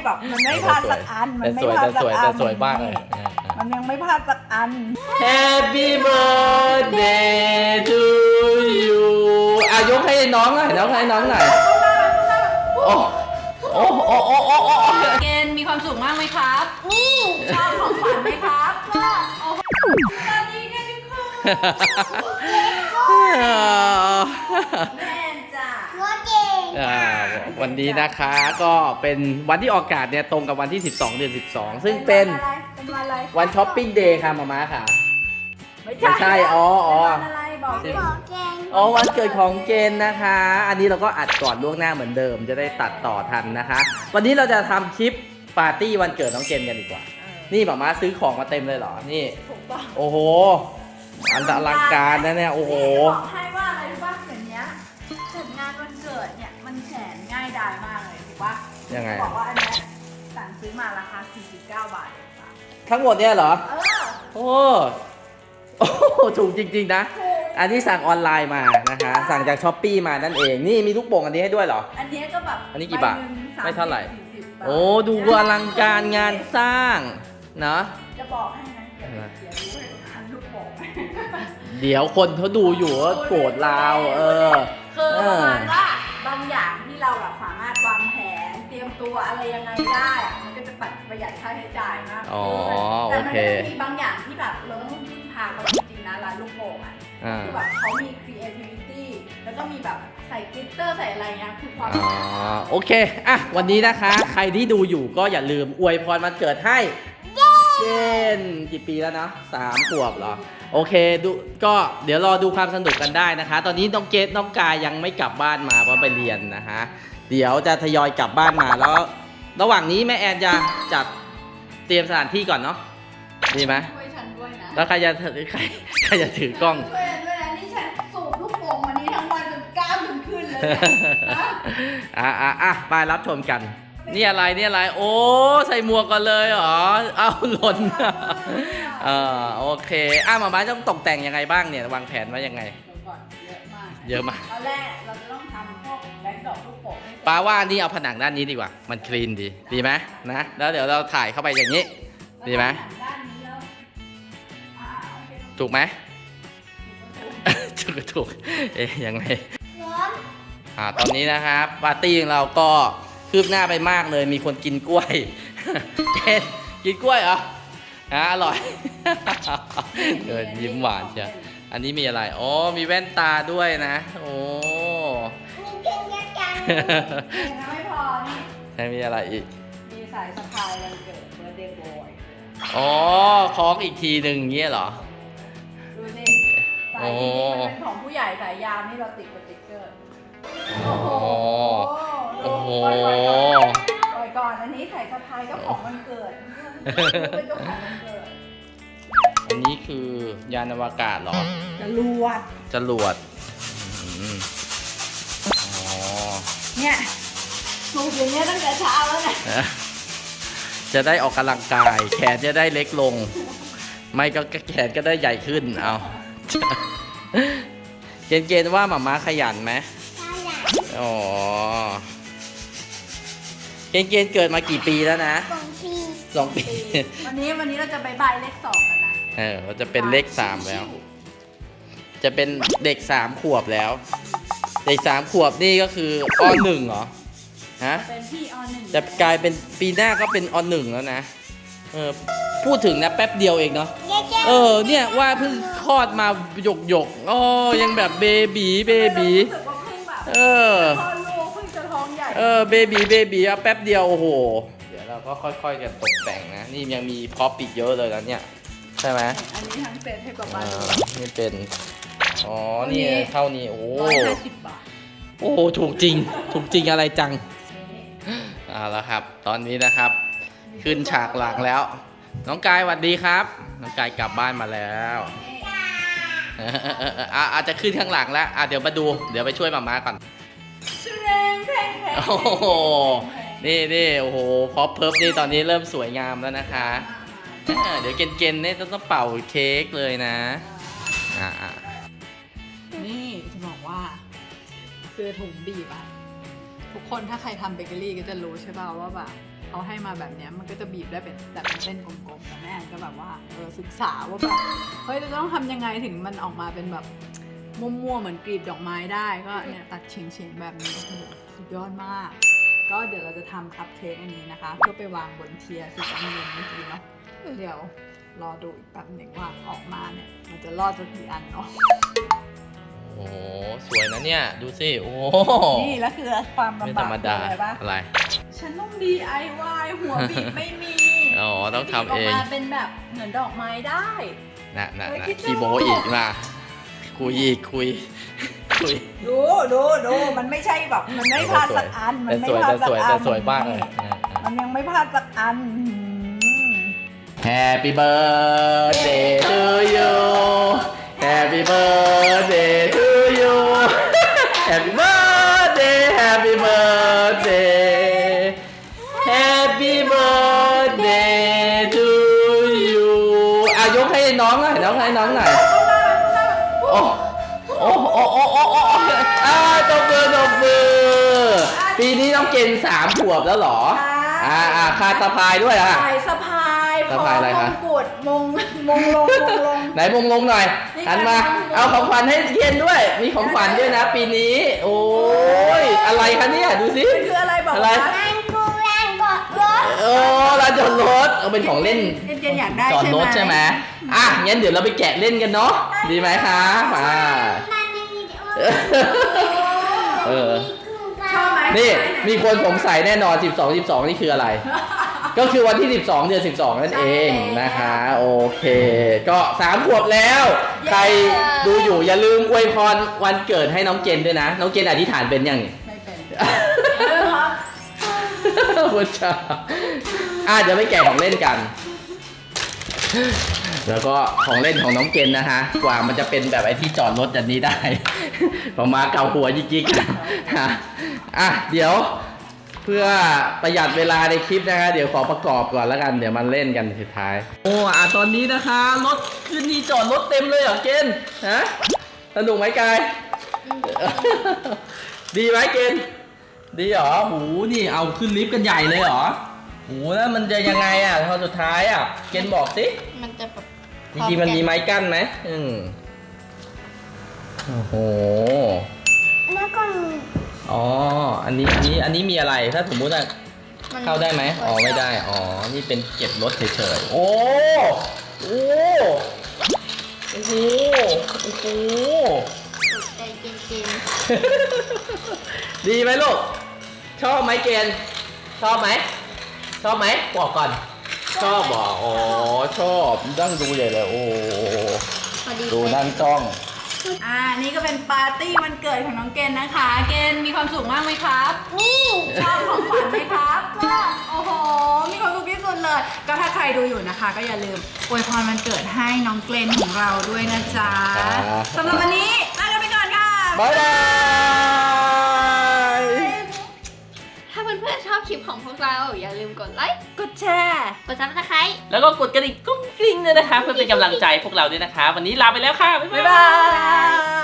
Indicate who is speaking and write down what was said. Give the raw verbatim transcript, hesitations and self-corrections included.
Speaker 1: แบบมันไม่พลาดสักอันมันไม่พลาดสักอัน
Speaker 2: แต่สวยมากเลย
Speaker 1: มันยังไม่พลาดสักอัน
Speaker 2: Happy birthday to you อ่ะยกให้น้องหน่อยน้องให้น้องหน่อยโอ้โอ้โอ้โอ้โอ้โอ้
Speaker 3: เกณฑ์มีความสุขมากไหมครับนี่ชอบของขวัญไหมครับก็โอ้สวัสดีค่ะทุกคนแม่จ้ะ
Speaker 2: วันนี้นะคะก็เป็นวันที่ออกอากาศเนี่ยตรงกับวันที่สิบสองเดือนสิบสองซึ่งเป็นวันช้อปปิ้งเดย์ค่ะมาม่าค่ะไม่ใช่อ๋ออ๋ออ๋อวันเกิดของเกณฑ์นะคะ อันนี้เราก็อัดก่อนล่วงหน้าเหมือนเดิมจะได้ตัดต่อทันนะคะ วันนี้เราจะทำคลิปปาร์ตี้วันเกิดน้องเกณฑ์กันดีกว่านี่มาม่าซื้อของมาเต็มเลยเหรอนี่โอ้โหอันอลังการนะเนี่ยโอ้โห
Speaker 1: บอกให้ว่าอะไรรู้ป่ะอย่างเนี้ยจัดงานวันเกิดเนี่ยมันแสนง่ายดายมากเลยถูกป่ะ
Speaker 2: ยังไง
Speaker 1: บอกว่าอันนี้สั่งซื้อมาราคาสี่สิบเก้าบาท
Speaker 2: ทั้งหมดเนี่ยเหรอ
Speaker 1: เออ
Speaker 2: โอ้โอ้ถูกจริงๆนะอันนี้สั่งออนไลน์มานะคะสั่งจากช้อปปี้มานั่นเองนี่มีลูกโป่งอันนี้ให้ด้วยเหรอ
Speaker 1: อันนี้ก็แบบ
Speaker 2: อันนี้กี่บาทไม่เท่าไหร่โอ้ดูอลังการงานสร้างเนาะ
Speaker 1: จะบอกให้นะเดี๋ยวรู้ทันลูกโป่ง
Speaker 2: เดี๋ยวคนเขาดูอยู่ว่าโกรธเราเออ
Speaker 1: คือประมาณว่าบางอย่างที่เราแบบสามารถวางแผนเตรียมตัวอะไรยังไงได้มันก็จะปัดประหยัดค่าใช้จ่ายมาก
Speaker 2: อ๋อ
Speaker 1: แต่มันก็
Speaker 2: จะ
Speaker 1: มีบางอย่างที่แบบเราต้องพึ่งพาเขาจริงๆนะร้านลูกโป่งอ่ะคือแบบเขามี creativity แล้วก็มีแบบใส่กลิตเตอร์ใส่อะไรเงี้ยคือความ
Speaker 2: อ๋อโอเคอ่ะวันนี้นะคะใครที่ดูอยู่ก็อย่าลืมอวยพรวันเกิดให้เจนกี่ปีแล้วนะสามขวบเหรอโอเคดูก็เดี๋ยวรอดูความสนุกกันได้นะคะ ตอนนี้น้องเกดน้องกายยังไม่กลับบ้านมาเพราะไปเรียนนะคะเดี๋ยวจะทยอยกลับบ้านมาแล้วระหว่างนี้แม่แอนจะจัดเตรียมสถานที่ก่อนเนาะดีไหม
Speaker 1: ช่วยฉันด้วยนะ
Speaker 2: แล้วใครจะถือใครใครจะถือกล้อง
Speaker 1: ช่วยด้วยนะนี่ฉันสูบลูกโป่งวันนี้ทั้งวันจนกล้ามจนขึ้นเลย
Speaker 2: อ่ะอ่ะอ่ะไปรับชมกันนี่อะไรนี่อะไรโอ้ใส่หมวกกันเลยเหรอเอาหล่นเออโอเคอ่ะหมาม้าต้องตกแต่งยังไงบ้างเนี่ยวางแผนไว้ยังไง
Speaker 1: เยอะมาก
Speaker 2: เยอะมาก
Speaker 1: ตอนแรกเราจะต้องทำพวกแบงค์ดอกลูกโป่ง
Speaker 2: ป้าว่านี่เอาผนังด้านนี้ดีกว่ามันคลีนดีดีไหมนะแล้วเดี๋ยวเราถ่ายเข้าไปอย่างนี้ดีไหมถูกไหมถูกถูกเอ๊ยยังไงอ่าตอนนี้นะครับปาร์ตี้ของเราก็คืบหน้าไปมากเลยมีคนกินกล้วยกินกล้วยเหรออ่ะอร่อยเดินยิ้มหวานเชียวอันนี้มีอะไรอ๋อมีแว่นตาด้วยนะโอ้
Speaker 1: ไม่พอนี่
Speaker 2: ใช่มีอะไรอีก
Speaker 1: มีสายสะพายวันเกิดเบอร์เดย์บอย
Speaker 2: อ๋อคล้องอีกทีหนึ่งเงี้ยเหรอ
Speaker 1: ดูสิสายนี้มันเป็นของผู้ใหญ่สายยาวนี่เราติดสติ๊กเกอร์โอ้โห
Speaker 2: โอ้โห
Speaker 1: ปล่อยก่อนอันนี้สายสะพายก็ของวันเกิดเป็นเจ้าของวันเกิด
Speaker 2: อันนี้คือยานอวกาศเหรอ
Speaker 1: จรวด
Speaker 2: จรวดอ๋อ
Speaker 1: เนี่ยสูบอย่างเงี้ยตั้งแต่เช้าแล้วนะ
Speaker 2: จะได้ออกกำลังกายแขนจะได้เล็กลงไม่ก็แขนก็ได้ใหญ่ขึ้นเอาเกณฑ์เกณฑ์ว่าหมาม้าขยันไหมขยันอ๋อเกณฑ์เกณฑ์เกิดมากี่ปีแล้วนะสองปีสองปี
Speaker 1: วันนี้วันนี้เราจะบายบายเลขสองกันนะ
Speaker 2: เออเราจะเป็นเลขสามแล้วจะเป็นเด็กสามขวบแล้วเด็กสามขวบนี่ก็คืออหนึ่งเหรอฮะ
Speaker 1: เป็นพี่อหนึ่ง
Speaker 2: จะกลายเป็นปีหน้าก็เป็นอหนึ่งแล้วนะเออพูดถึงนะแป๊บเดียวเองเนาะเออเนี่ยว่าเพิ่งคลอดมาหยกหยกอ๋อยังแบบเบบีเบบีเออ
Speaker 1: พอลูกเพิ่งจะท้องใหญ่
Speaker 2: เออเบบีเบบีอะแป๊บเดียวโอ้โหเดี๋ยวเราก็ค่อยๆกันตกแต่งนะนี่ยังมีพร็อพอีกเยอะเลยนะเนี่ยใช่ไหม
Speaker 1: อันนี้ทั้งเซ็ตให้กับบ้าน
Speaker 2: นี่เป็นอ๋อนี่เท่านี้โอ้
Speaker 1: ห้าสิบบาท
Speaker 2: โอ้ถูกจริงถูกจริงอะไรจังเอาละครับตอนนี้นะครับขึ้นฉากหลังแล้วน้องกายสวัสดีครับน้องกายกลับบ้านมาแล้วอาจจะขึ้นข้างหลังแล้วอ่ะเดี๋ยวมาดูเดี๋ยวไปช่วยมาม่าก่อนโอ้โหนี่นี่โอ้โหพอเพิร์ฟนี่ตอนนี้เริ่มสวยงามแล้วนะคะเดี๋ยวเกณฑ์ๆเนี่ยต้องเป่าเค้กเลยนะอ่า
Speaker 1: นี่จะบอกว่าคือถุงบีบอะถุทุกคนถ้าใครทำเบเกอรี่ก็จะรู้ใช่ป่าวว่าแบบเขาให้มาแบบเนี้ยมันก็จะบีบได้เป็นแบบเป็นเส้นกลมๆแต่แม่แอนก็แบบว่าเออศึกษาว่าแบบเฮ้ยเราต้องทำยังไงถึงมันออกมาเป็นแบบมั่วๆเหมือนกลีบดอกไม้ได้ก็เนี่ยตัดเฉียงๆแบบนี้โอ้โหสุดยอดมาก ก็เดี๋ยวเราจะทำคัพเค้กอันนี้นะคะ เพื่อไปวางบนเทียร์สุดอันเย็นเมื่อกี้เนาะเดี๋ยวรอดูอีกแป๊บหนึ่งว่าออกมาเนี่ยมันจะรอดสักกี่อันเนาะ
Speaker 2: โอ้โหสวยนะเนี่ยดูสิโอ้โห
Speaker 1: นี่แล้วคือความ
Speaker 2: ไม่
Speaker 1: ลำ
Speaker 2: ธร
Speaker 1: บาก
Speaker 2: รม
Speaker 1: คือ
Speaker 2: ดา
Speaker 1: อะไรปะ
Speaker 2: อะไร
Speaker 1: ฉันต้อง ดี ไอ วาย หัวบีบไม่มี
Speaker 2: อ๋อต้องทำเอง
Speaker 1: บีบออกมาเป็นแบบเหมือนดอกไม้ได้
Speaker 2: น่ะน่ะ
Speaker 1: เฮ้ย
Speaker 2: น่ะ
Speaker 1: คิดดู
Speaker 2: คีโมอีกมาคุยอีกคุยคุย
Speaker 1: ดูดูดูมันไม่ใช่แบบมันไม่พลาดสักอันมัน
Speaker 2: แต่
Speaker 1: ไม่
Speaker 2: สวย
Speaker 1: พลาด
Speaker 2: แต่
Speaker 1: สั
Speaker 2: ส
Speaker 1: ก
Speaker 2: วย
Speaker 1: อั
Speaker 2: แต่
Speaker 1: น
Speaker 2: สวยมากเลย
Speaker 1: มันยังไม่พลาดสักอันหืม
Speaker 2: Happy birthday to you Happy birthday to you Happy birthday Happy birthday Happy birthday to you อ่ะยกให้น้องหน่อยน้องให้น้องหน่อยโอ้โอ้โอ้โอ้โอ้โอ้อ่าตบมือตบมือปีนี้น้องเกณฑ์สามขวบแล้วเหรออ่าอ่าคาตาพายด้วยอ่ะ
Speaker 1: สายสะพาย
Speaker 2: สะพายอะไรคะ
Speaker 1: มงกุฎมงมงลงมงลง
Speaker 2: ไหนมงลงหน่อย
Speaker 1: นี่
Speaker 2: หันมา
Speaker 1: ค่ะ
Speaker 2: เอาของขวัญให้เย็นด้วย มีของขวัญด้วยนะ ปีนี้ โอ้ยอะไรคะเนี่ยดูสิ
Speaker 1: มันคืออะไรบอก
Speaker 2: อะไร
Speaker 1: ว่า
Speaker 4: แรงกูแรงกดรถ
Speaker 2: โอ้ลานจอดรถเอาเป็นของเล่น
Speaker 1: เจนๆอยากได้
Speaker 2: จอดรถใช่ไหมอ่ะงั้นเดี๋ยวเราไปแกะเล่นกันเนาะดีไหมคะมา
Speaker 4: มันในวิดีโอ
Speaker 2: เออ
Speaker 1: ชอบไหม
Speaker 2: นี่มีคนสงสัยแน่นอน สิบสอง สิบสอง นี่คืออะไร ก็คือวันที่ สิบสอง เดือน สิบสอง นั่นเองนะคะ โอเค ก็สามขวบแล้ว ใครดูอยู่อย่าลืมอวยพรวันเกิดให้น้องเจนด้วยนะ น้องเจนอธิษฐานเป็นยังนี่
Speaker 1: ไม่เป็นเออครับ
Speaker 2: พุทธาอ่ะเดี๋ยวไปแกะของเล่นกัน แล้วก็ของเล่นของน้องเจนนะคะ กว่ามันจะเป็นแบบไอ้ที่จอดรถแบบนี้ได้ ประมาเก่าหัวยิกๆฮะอ่ะเดี๋ยวเพื่อประหยัดเวลาในคลิปนะคะ เดี๋ยวขอประกอบก่อนแล้วกัน เดี๋ยวมันเล่นกันสุดท้าย โอ้อ่ะตอนนี้นะคะรถขึ้นที่จอดรถเต็มเลยเหรอเกณฑ์ฮะสนุกไหมกาย ดีไหมเกณฑ์ดีเหรอหูนี่เอาขึ้นลิฟต์กันใหญ่เลยเหรอหูแล้วมันจะยังไงอ่ะตอนสุดท้ายอ่ะเกณฑ์บอกสิ
Speaker 4: มันจะแบบ
Speaker 2: จริงๆมันมีไม้กั้นไหมอืมโอ้โห
Speaker 4: แล้วก็มี
Speaker 2: อ๋อ อันนี้ อันนี้ อันนี้มีอะไร ถ้าสมมุติอะเข้าได้ไหมอ๋อ ไม่ได้ อ๋อ นี่เป็นเก็บรถเฉยๆ โอ้ โอ้โอ้โหโอ้โห
Speaker 4: ใจจริง
Speaker 2: ดีไหมลูก ชอบไหมเกณฑ์ชอบไหม ชอบไหมบอกก่อน ชอบบอกอ๋อ ชอบนั่งดูใหญ่เลย โอ้
Speaker 4: ๆพอดี
Speaker 2: ดูนั่งจ้อง
Speaker 1: อ่านี่ก็เป็นปาร์ตี้วันเกิดของน้องเกณฑ์นะคะ เกณฑ์มีความสุขมากไหมครับ
Speaker 4: นี่
Speaker 1: ชอบของขวัญไหมครับก็โอ้โห มีความสุขที่สุดเลย ก็ถ้าใครดูอยู่นะคะ ก็อย่าลืมอวยพรวันเกิดให้น้องเกรนของเราด้วยนะจ๊ะ
Speaker 2: ครับ
Speaker 1: สำหรับวันนี้ลากันไปก่อนค่ะ
Speaker 2: บ๊ายบาย
Speaker 4: ถ้าเพื่อนๆชอบคลิปของพวกเรา อย่าลืมกดไลค์
Speaker 1: กดแชร์
Speaker 4: กดซับสไครต์
Speaker 5: แล้วก็กดกระดิ่งกุ้งกริ้งด้วยนะคะ เพื่อเป็นกำลังใจพวกเราด้วยนะคะ วันนี้ลาไปแล้วค่ะ บ๊าย
Speaker 1: บ๊าย
Speaker 5: บา
Speaker 1: บาย ย